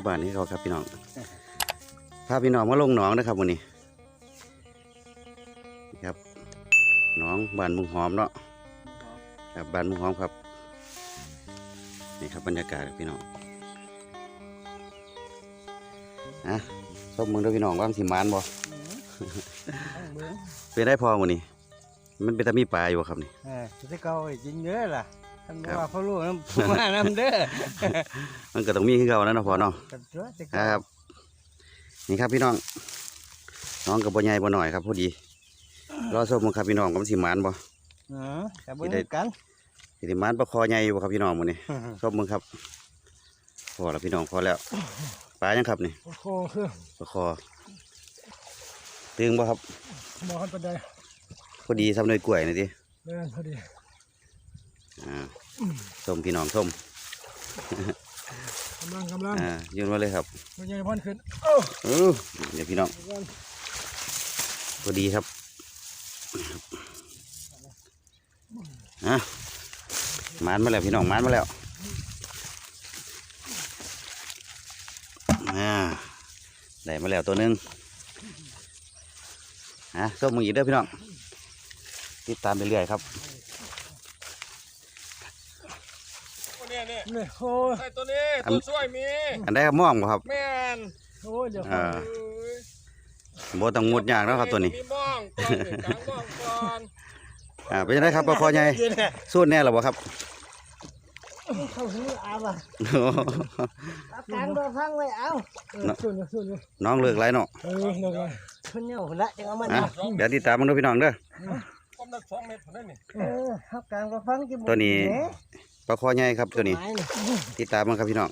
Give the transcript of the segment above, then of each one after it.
ที่บ้านนี้เขาครับพี่น้องพาพี่น้องมาลงหนองนะครับวันนี้ครับหนองบ้านมุงหอมเนาะครับบ้านมุงหอมครับนี่ครับบรรยากาศพี่น้องส้มมึงด้วยพี่น้องว่างสิมานบ่ เป็นได้พอวันนี้มันเป็นตะมีปลาอยู่ครับนี่จะเก่าจริงเด้อล่ะท่านบอกว่าเขารู้น้ำมาน้ำเด้อมันก็ต้องมีขึ้นเก่าแล้วนะพอเนาะครับนี่ครับพี่น้องน้องกับบ่ใหญ่บ่หน่อยครับพอดีรอส้มมึงครับพี่น้องกับสิมานบ่แต่บ่ได้กันสิมานปลาคอใหญ่อยู่ครับพี่น้องวันนี้ส้มมึงครับพอแล้วพี่น้องพอแล้วปลายังครับนี่ปลาคอคือปลาคอตึงบ่ครับบ่ครับปานใดพอดีทำหน่วยกล้วยนี่ดิพอดีส้มพี่น้องส้มกำลังยืนมาเลยครับมันยังพ่นขึ้นเดี๋ยวพี่น้องพอดีครับมานมาแล้วพี่น้องมานมาแล้วได้มาแล้วตัวนึงส้มมึงอีกเด้อพี่น้องติดตามไปเรื่อยครับนี่โอ้ยตัวนี้ตัวช่วยมีอันได้ครับม่วงบ่ครับแม่นโอ้ยเดี๋ยวบ่ต้องงดยากแล้วครับตัวนี้มีม่องก่อนกลางม่องก่อนเป็นยังไงครับปลาคอใหญ่สู้แน่หรอบ่ครับเข้าหูอาบ่ะกลางโดนฟังไว้เอาน้องเลือกไรเนาะคนเนี่ยคนละจะเอามันเดี๋ยวติดตามมันด้วยพี่น้องเด้อ 2 เมตรผมได้นี่กลางโดนฟังตัวนี้ปลาคอใหญ่ครับตัวนี้ติดตามมันครับพี่น้อง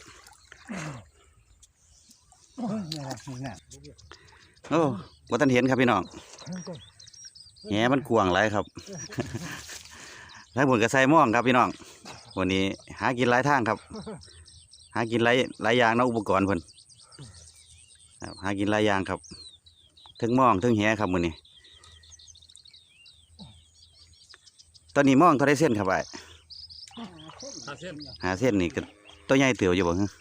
โอ้ว่าท่านเห็นครับพี่น้องแหมันกวางไรครับแล้วผลกระไซม่วงครับพี่น้องวันนี้หากินหลายทางครับหากินหลายอย่างนะอุปกรณ์เพิ่นหากินหลายอย่างครับถึงม่วงถึงแหครับวันนี้ตอนนี้ม่วงเท่าไรเส้นครับไอ้หาเส้นนี่ก็ตัวใหญ่เตี๋ยวอยู่บ่ฮะ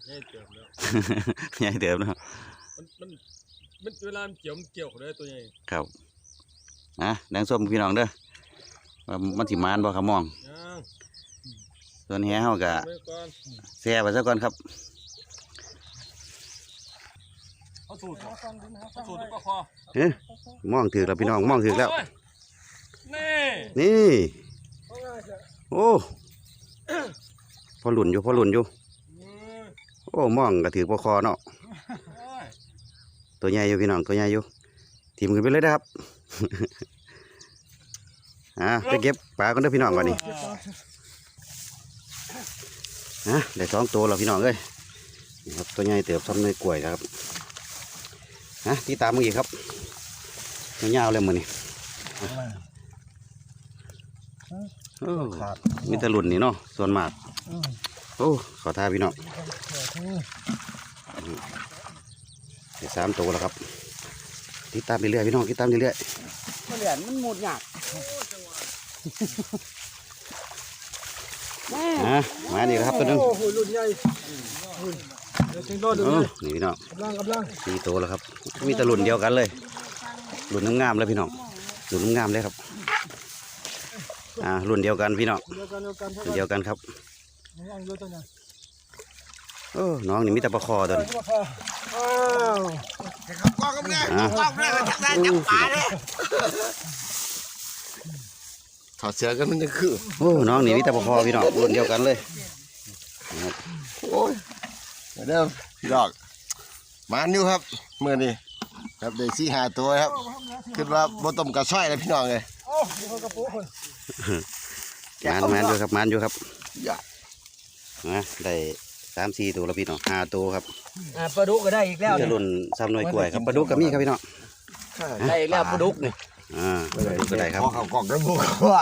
ใหญ่เตี๋ยวเนาะมันเวลาเกี่ยวเลยตัวใหญ่ครับดังส้มพี่น้องเด้อมันสิมานบ่ครับมองส่วนแหเฮากะแซ่ไปซะก่อนครับสูตรก็พอมองถือแล้วพี่น้องมองถือแล้วนี่โอ้พอหลุนอยู่โอ้มองก็ถือปลาคอเนาะตัวใหญ่อยู่พี่น้องตัวใหญ่อยู่ทีมขึ้นไปเลยนะครับไปเก็บปลากันด้วยพี่น้องก่อนนี่ได้2 ตัวแล้วพี่น้องเอ้ยครับตัวใหญ่เติบซ้ำในกล้วยนะครับที่ตามมืออีกครับยาวๆเลยมือนี่มีแต่หลุนนี่เนาะส่วนมากโอ้ขอท่าพี่น้องได้3 ตัวแล้วครับติดตามไปเรื่อยพี่น้องติดตามเรื่อยเหรียญมันหมดหยาดมานี่ครับตัวนึงรุ่นใหญ่นี่พี่น้อง4 ตัวแล้วครับมีแต่หลุนเดียวกันเลยหลุนงามๆเลยพี่น้องหลุนงามเลยครับรุ่นเดียวกันพี่น้องเดียวกันครับน้องนี่มีแต่ปลาคอตัวนี้ถอดเสื้อกันมันจะคือน้องนี่มีแต่ปลาคอพี่น้องรุ่นเดียวกันเลยโอ้ยเดิมพี่ดอกมานิ้วครับเมื่อนี้ครับได้4-5 ตัวครับคิดว่าบ่ต้มกระช่อยเลยพี่น้องเลยมันอยู่ครับมันอยู่ครับได้3-4 ตัวแล้วพี่น้อง5 ตัวครับปลาดุกก็ได้อีกแล้วจะหล่นซ้ำหน่วยกล้วยครับปลาดุกก็มีครับพี่น้องได้อีกแล้วปลาดุกนี่ปลาดุกก็ได้ครับเขากล่องกระบุกว่า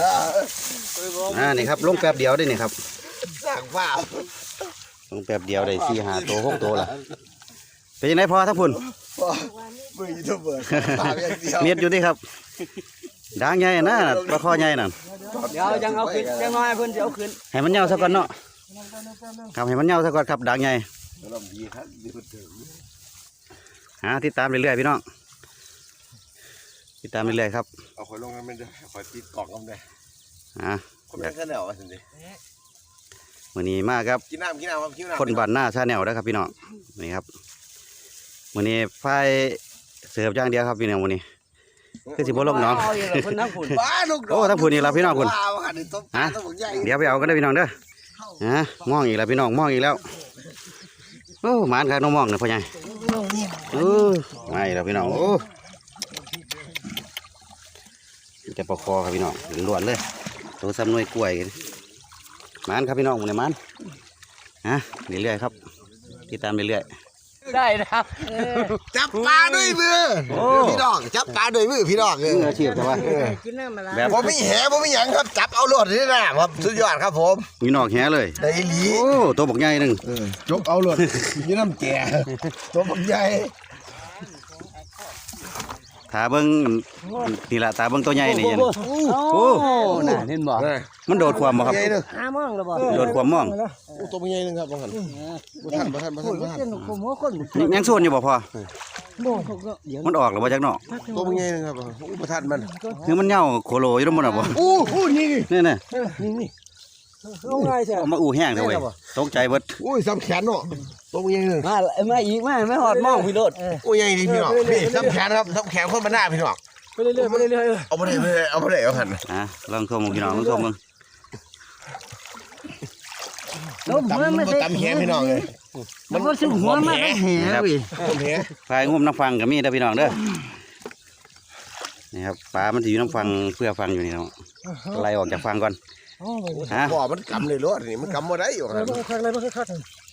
นี่ครับลงแป๊บเดียวได้นี่ครับสั่งว่าลงแป๊บเดียวได้4-5 ตัว6 ตัวละเป็นยังไงพอทั้งพุ่นมือยูทูบเบอร์เมียดอยู่ดิครับด่างใหญ่นะปลาคอใหญ่นั่นเดี๋ยวยังเอาขึ้นยังน้อยเพิ่นจะเอาขึ้นให้มันเหี่ยวซะก่อนเนาะครับให้มันเหี่ยวซะก่อนครับด่างใหญ่ลมดีครับดีคนเดิมติดตามเรื่อยๆพี่น้องติดตามเรื่อยๆครับเอาคอยลงกันไม่ได้คอยติดกล่องกันได้อ่าคนแม่แค่แนวสิมื้อนี้มาครับกินน้ำครับกินน้ำคนบ้านหน้าชาแนลนะครับพี่น้องนี่ครับมื้อนี้ไฟเสิร์ฟอย่างเดียวครับพี่น้องมื้อนี้คือสิบ่ลงน้องบ้าลูกโอ้ทั้งผู้นี่ล่ะพี่น้องคุณฮะเดี๋ยวไปเอากันได้อพี่น้องเด้อมองอีกแล้วพี่น้องมองอีกแล้วโอ้หมานครับน้องมองเนี่ยพ่อใหญ่ไม่แล้วพี่น้องโอ้จะประคอครับพี่น้องล้วนๆเลยตัวซ้ำหน่วยกล้วยหมานครับพี่น้องมื้อนี้หมานเรื่อยๆครับติดตามเรื่อยได้นะครับจับปลาด้วยมือพี่น้องจับปลาด้วยมือพี่น้องๆมืออาชีพใช่ปะกินน้ำมาละแบบผมไม่แห่ผมไม่หยังครับจับเอาโลดนี่นะครับสุดยอดครับผมมีนอกแหเลยได้หลีโอ้ตัวบักใหญ่หนึ่งจกเอาโลดนี่น้ำแก่ตัวบักใหญ่ตาเบิ้งนี่ละตาเบิ้งตัวใหญ่นี่ยันโอ้น่ะเห็นบ่มันโดดความบ่ครับใหญ่หนึ่งหามองแล้วบ่โดดความมองตัวบักใหญ่หนึ่งครับบางคนบ่ทันเป็นคนหัวคนยังส่วนอยู่บ่พอบ่เดี๋ยวมันออกหรือว่าจากนอกตัวบักใหญ่หนึ่งครับบ่ทันมันคือมันเหย่าโคโลอยู่ตรงบนอ่ะบ่อู้นี่นี่น่ะนี่เอาไงใช่เอามาอู้แห้งเด้อเว้ยตกใจเบิดอุ้ยซ้ำแขนเนาะตัวบักใหญ่หนึ่งมาอีกมาไม่หอดมองพี่โดดโอ้ยใหญ่ดีพี่น้องนี่ซ้ำแขนครับซ้ำแขนคนมาหน้าพี่น้องไปเรื่อยๆไปเรื่อยเอาไปเลยเอาหันลองชมพี่น้องลองชมมึงๆล้มหัวไม่ตำแขนพี่น้องเลยมันก็สึกหัวมาได้แห่เว้ยผมแหพายงุ่มน้ำฟังก็มีเด้อพี่น้องเด้อนี่ครับปลามันสิอยู่น้ำฟังเพื่อฟังอยู่นี่เนาะไล่ออกจากฟังก่อนบ่อมันกำเลยรถนี่มันกำบ่ได้อยู่ครับคักเลยมันคัก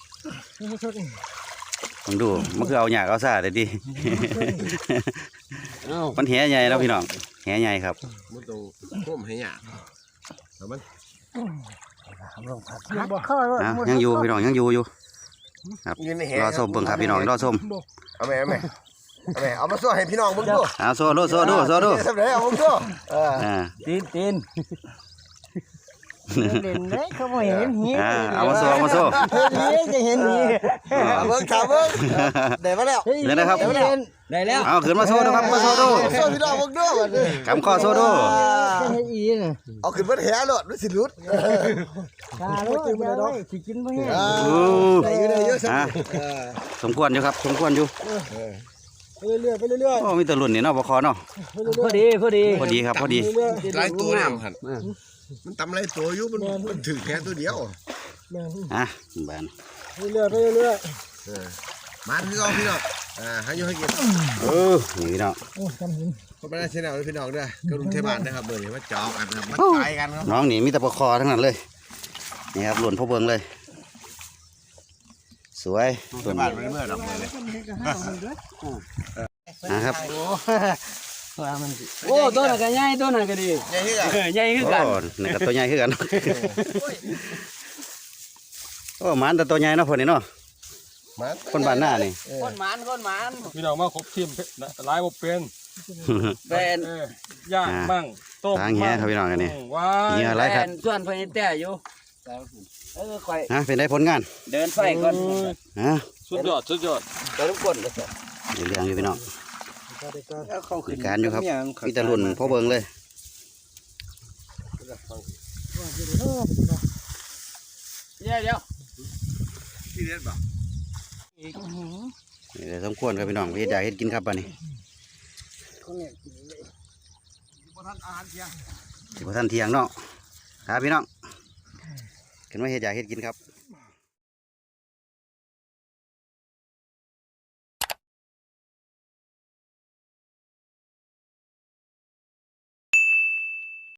ผมดูมันคือเอาหยากเอาซ่าได้ดิ มันแหใหญ่แล้วพี่น้องแหใหญ่ครับมันต้องก้มให้ยากแล้วมันยังอยู่พี่น้องยังอยู่ครับยืนในแหรอส้มเบิ่งครับพี่น้องรอส้มเอาแม่เอามาสู้ให้พี่น้องเบิ่งดูเอาโซ่ดูโซ่ดูโซ่ดูทำไรเอาเบิ่งดูตีนเด่นเลยเขาไม่เห็นหีเอามาโซ่เอามาโซ่หีจะเห็นหีเบิ่งถามเบิ่งได้มาแล้วเดี๋ยวนะครับได้แล้วเอาขึ้นมาโซ่ดูครับมาโซ่ดูสู้พี่น้องเบิ่งดูกำข้อโซ่ดูจะเห็นอีน่ะเอาขึ้นมาแหรถมันสิหลุดตาลูกจะได้สิกินบ่แห้งได้อยู่เยอะสักสมควรอยู่ครับสมควรอยู่ไปเรื่อยโอ้มีแตะลุ่นนี่เนาะบ่คอเนาะพอดีพอดีครับพอดีหลายตัวเนี่ยมันตำหลายตัวอยู่มันถึงแค่ตัวเดียวบ้านเรื่อยมาคือเอาพี่น้องให้อยู่ให้กินนี่พี่น้องโอ้จำเห็นคนไม่ได้เช่นเอาพี่น้องด้วยกรุงเทพบ้านนะครับเบอร์นี้มาจอกกันครับมาขายกันครับน้องนี่มีแต่ปลาคอทั้งนั้นเลยนี่ครับหล่นพ่อเบิงเลย สวยส่วนบ้านไม่เมื่อดอกเลยนะครับว่ามันโอ้ตัวนั้นก็ใหญ่ตัวนั้นก็ดีใหญ่ที่ไหนใหญ่คือโอ้กันนี่ก็ตัวใหญ่ขึ้นกันโอ้หมันแต่ตัวใหญ่เนาะพวกนี้เนาะคนบ้านหน้านี่คนหมานพี่น้องมาครบทีมหลายบ่เป็นเป็นย่างบ้างต้มทางแหครับพี่น้องกันนี่ว้านี่อะไรครับส่วนเพิ่นแต่อยู่ค่อยเป็นได้ผลงานเดินไฟก่อนสุดยอดเดินก้นก็เรื่องอยู่พี่น้องแล้วเขามีการอยู่ครับมีแต่หล่นพ่อเบิงเลยเดี๋ยวที่เด็ดบ่นี่เดี๋ยวสมควรครับพี่น้องพี่อยากเฮ็ดกินครับป่ะนี่บ่ทันอาหารเที่ยงสิบ่ทันเที่ยงเนาะครับพี่น้องขึ้นมาเฮ็ดอยากเฮ็ดกินครับ